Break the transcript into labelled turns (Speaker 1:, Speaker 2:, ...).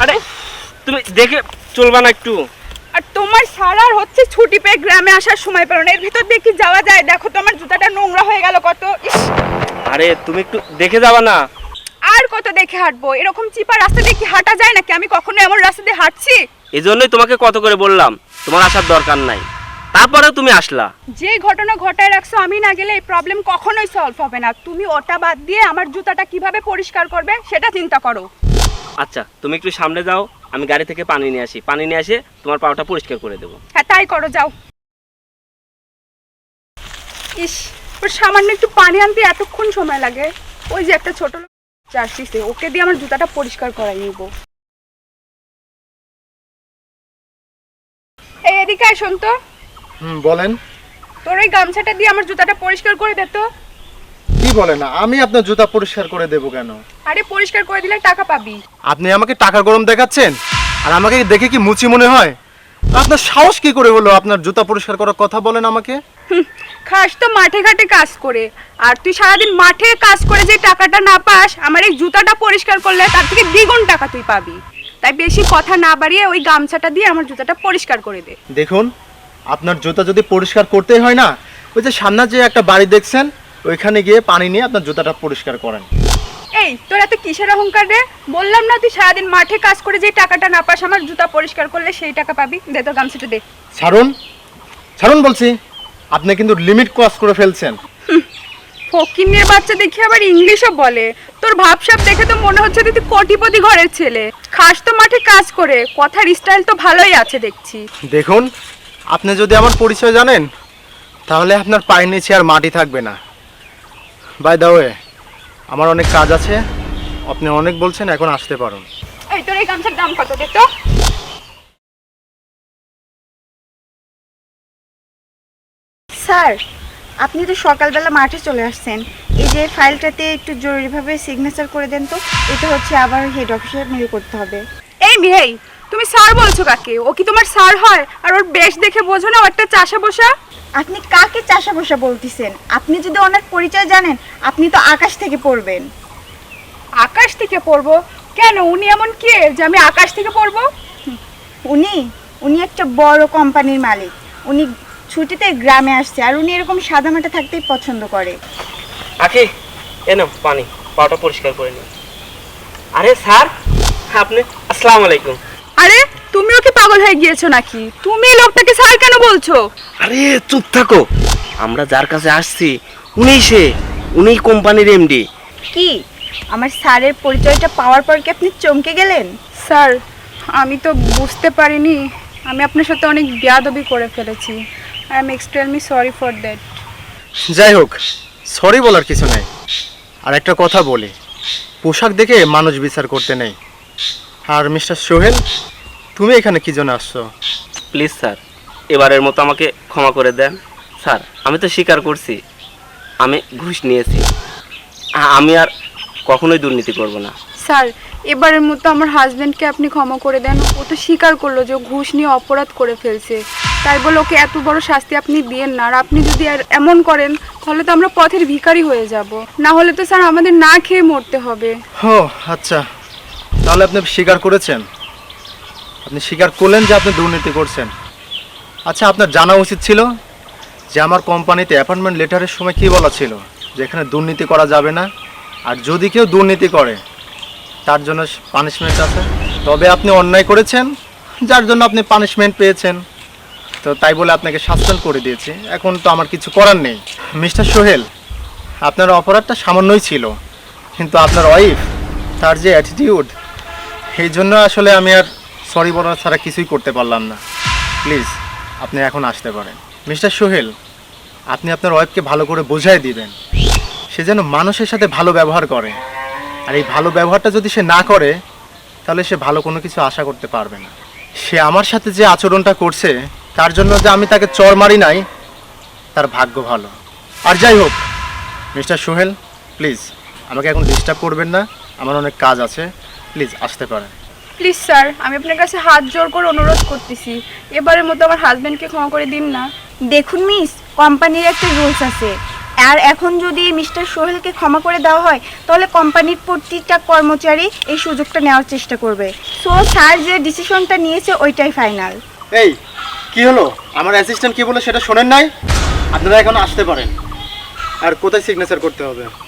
Speaker 1: আরে তুমি দেখে চলবা না একটু?
Speaker 2: আর তোমার সারার হচ্ছে ছুটি পেয়ে গ্রামে আসার সময় পেলো না, এর ভিতর দিয়ে কি যাওয়া যায়? দেখো তো আমার জুতাটা নোংরা হয়ে গেল কত। ইস,
Speaker 1: আরে তুমি একটু দেখে যাবা না?
Speaker 2: আর কত দেখে হাঁটবো? এরকম চিপা রাস্তা দিয়ে কি হাঁটা যায় নাকি? আমি কখনো এমন রাস্তা দিয়ে হাঁটছি?
Speaker 1: এজন্যই তোমাকে কত করে বললাম তোমার আসার দরকার নাই, তারপরেও তুমি আসলা।
Speaker 2: যে ঘটনা ঘটায় রাখছো আমি না গেলে এই প্রবলেম কখনোই সলভ হবে না। তুমি ওটা বাদ দিয়ে আমার জুতাটা কিভাবে পরিষ্কার করবে সেটা চিন্তা করো।
Speaker 1: আচ্ছা তুমি একটু সামনে যাও, আমি গাড়ি থেকে পানি নিয়ে আসি, পানি নিয়ে এসে তোমার পাটা পরিষ্কার করে দেবো।
Speaker 2: হ্যাঁ তাই করো, যাও। ইস, ওর সামান্য একটু পানি আনতে এতক্ষণ সময় লাগে। ওই যে একটা ছোট লোক আসছে, ওকে দিয়ে আমার জুতাটা পরিষ্কার করাই নিব। এই এদিকে আয়, শোন তো।
Speaker 3: বলেন।
Speaker 2: তোর ওই গামছাটা দিয়ে আমার জুতাটা পরিষ্কার করে দে তো।
Speaker 3: কি বলেন? আমি আপনার জুতা পরিষ্কার করে দেব কেন?
Speaker 2: আরে পরিষ্কার করে দিলে টাকা পাবি।
Speaker 3: আপনি আমাকে টাকা গরম দেখাচ্ছেন? আর আমাকে দেখে কি মুচি মনে হয়? আপনার সাহস কি করে হলো আপনার জুতা পরিষ্কার করার কথা বলেন আমাকে?
Speaker 2: খাস তো মাঠে ঘাটে কাজ করে, আর তুই সারাদিন মাঠে কাজ করে যে টাকাটা না পাস, আমার এই জুতাটা পরিষ্কার করলে তার থেকে দ্বিগুণ টাকা তুই পাবি। তাই বেশি কথা না বাড়িয়ে ওই গামছাটা দিয়ে আমার জুতাটা পরিষ্কার করে দে।
Speaker 3: দেখুন, আপনার জুতা যদি পরিষ্কার করতেই হয় না, ওই যে সামনে যে একটা বাড়ি দেখছেন, ওইখানে গিয়ে পানি নিয়ে আপনার জুতাটা পরিষ্কার করেন।
Speaker 2: এই তোর এত কিসের অহংকার রে? বললাম না তুই সারাদিন মাঠে কাজ করে যে টাকাটা না পাস, আমার জুতা পরিষ্কার করলে সেই টাকা পাবি। দে তোর গামছাটা দে।
Speaker 3: ছাড়ুন, ছাড়ুন বলছি। আপনি কিন্তু লিমিট ক্রস করে ফেলছেন।
Speaker 2: ফকিন্নের বাচ্চা দেখি আবার ইংলিশও বলে। তোর ভাবসাব দেখে তো মনে হচ্ছে তুই কোটিপতি ঘরের ছেলে। খাস তো মাঠে কাজ করে, কথার স্টাইল তো ভালোই আছে দেখছি।
Speaker 3: দেখুন, আপনি যদি আমার পরিচয় জানেন তাহলে আপনার পায়ের নিচে আর মাটি থাকবে না। বাই দ্য ওয়ে, আমার অনেক কাজ আছে। আপনি অনেক বলছেন, এখন আসতে পারুন।
Speaker 2: এই তোর এই গামছার দাম কত দে তো?
Speaker 4: স্যার, আপনি তো সকালবেলা মাঠে চলে আসছেন। এই যে ফাইলটাতে একটু জরুরিভাবে সিগনেচার করে দেন তো। এটা হচ্ছে আবার হেড অফিসে মেল করতে হবে।
Speaker 2: এই মেহেই, তুমি স্যার বলছো কাকে? ও কি তোমার স্যার হয়? আর ওর বেশ দেখে বোঝো না ও একটা চাষা বসা?
Speaker 4: আপনি কাকে চাষা বসা বলতেছেন? আপনি যদি ওনার পরিচয় জানেন, আপনি তো আকাশ থেকে পড়বেন।
Speaker 2: আকাশ থেকে পড়বো? কেন, উনি এমন কে যে আমি আকাশ থেকে পড়বো?
Speaker 4: উনি উনি একটা বড় কোম্পানির মালিক। উনি ছুটিতে গ্রামে আসছে, আর উনি এরকম সাদামাটা থাকতেই পছন্দ করে।
Speaker 1: আখি এনো পানি, পাটা পরিষ্কার করে নিও। আরে স্যার আপনি, আসসালামু আলাইকুম।
Speaker 2: আরে তুমিও কি পাগল হয়ে গিয়েছো নাকি? তুমি এই লোকটাকে স্যার কেন বলছো?
Speaker 1: আরে চুপ থাকো, আমরা যার কাছে আসছি উনিই কোম্পানির এমডি।
Speaker 4: কি, আমার স্যারের পরিচয়টা পাওয়ার পর কি আপনি চমকে গেলেন?
Speaker 2: স্যার, আমি তো বুঝতে পারিনি। আমি আপনার সাথে অনেক বেয়াদবি করে ফেলেছি। I am extremely sorry for that.
Speaker 3: যাই হোক, সরি বলার কিছু নেই। আর একটা কথা বলি, পোশাক দেখে মানুষ বিচার করতে নেই। আর মিস্টার সোহেল, তুমি এখানে কি জন্য আসছো?
Speaker 1: প্লিজ স্যার, এবারের মতো আমাকে ক্ষমা করে দেন। স্যার আমি তো স্বীকার করছি আমি ঘুষ নিয়েছি, আমি আর কখনোই দুর্নীতি করব না।
Speaker 2: স্যার, এবারের মতো আমার হাজব্যান্ডকে আপনি ক্ষমা করে দেন। ও তো স্বীকার করলো যে ও ঘুষ নিয়ে অপরাধ করে ফেলছে, তাই বলে ওকে এত বড় শাস্তি আপনি দিয়েন না। আর আপনি যদি আর এমন করেন তাহলে তো আমরা পথের ভিখারি হয়ে যাব। না হলে তো স্যার আমাদের না খেয়ে মরতে হবে।
Speaker 3: ও আচ্ছা, তাহলে আপনি স্বীকার করেছেন? আপনি স্বীকার করলেন যে আপনি দুর্নীতি করছেন। আচ্ছা, আপনার জানা উচিত ছিল যে আমার কোম্পানিতে অ্যাপয়েন্টমেন্ট লেটারের সময় কী বলা ছিল, যে এখানে দুর্নীতি করা যাবে না, আর যদি কেউ দুর্নীতি করে তার জন্য পানিশমেন্ট আছে। তবে আপনি অন্যায় করেছেন, যার জন্য আপনি পানিশমেন্ট পেয়েছেন, তো তাই বলে আপনাকে সাসপেন্ড করে দিয়েছি। এখন তো আমার কিছু করার নেই। মিস্টার সোহেল, আপনার অপরাধটা সামান্যই ছিল, কিন্তু আপনার ওয়াইফ, তার যে অ্যাটিটিউড, এই জন্য আসলে আমি আর সরি বলা ছাড়া কিছুই করতে পারলাম না। প্লিজ আপনি এখন আসতে পারেন। মিস্টার সোহেল, আপনি আপনার ওয়াইফকে ভালো করে বোঝাই দিবেন, সে যেন মানুষের সাথে ভালো ব্যবহার করে। আর এই ভালো ব্যবহারটা যদি সে না করে তাহলে সে ভালো কোনো কিছু আশা করতে পারবে না। সে আমার সাথে যে আচরণটা করছে তার জন্য যে আমি তাকে চড় মারি নাই, তার ভাগ্য ভালো। আর যাই হোক, মিস্টার সোহেল প্লিজ আমাকে এখন ডিস্টার্ব করবেন না, আমার অনেক কাজ আছে। প্লিজ আসতে পারেন।
Speaker 2: প্লিজ স্যার, আমি আপনার কাছে হাত জোর করে অনুরোধ করতেছি, এবারের মতো আমার হাজব্যান্ডকে ক্ষমা করে দিন না।
Speaker 4: দেখুন মিস, কোম্পানির একটা রুলস আছে, আর এখন যদি মিস্টার সোহেলকে ক্ষমা করে দেওয়া হয় তাহলে কোম্পানির প্রতিটা কর্মচারী এই সুযোগটা নেওয়ার চেষ্টা করবে। সো স্যার যে ডিসিশনটা নিয়েছে ওইটাই ফাইনাল।
Speaker 3: এই কি হলো, আমার অ্যাসিস্ট্যান্ট কি বলে সেটা শোনেন নাই? আপনারা এখন আসতে পারেন। আর কোথায় সিগনেচার করতে হবে?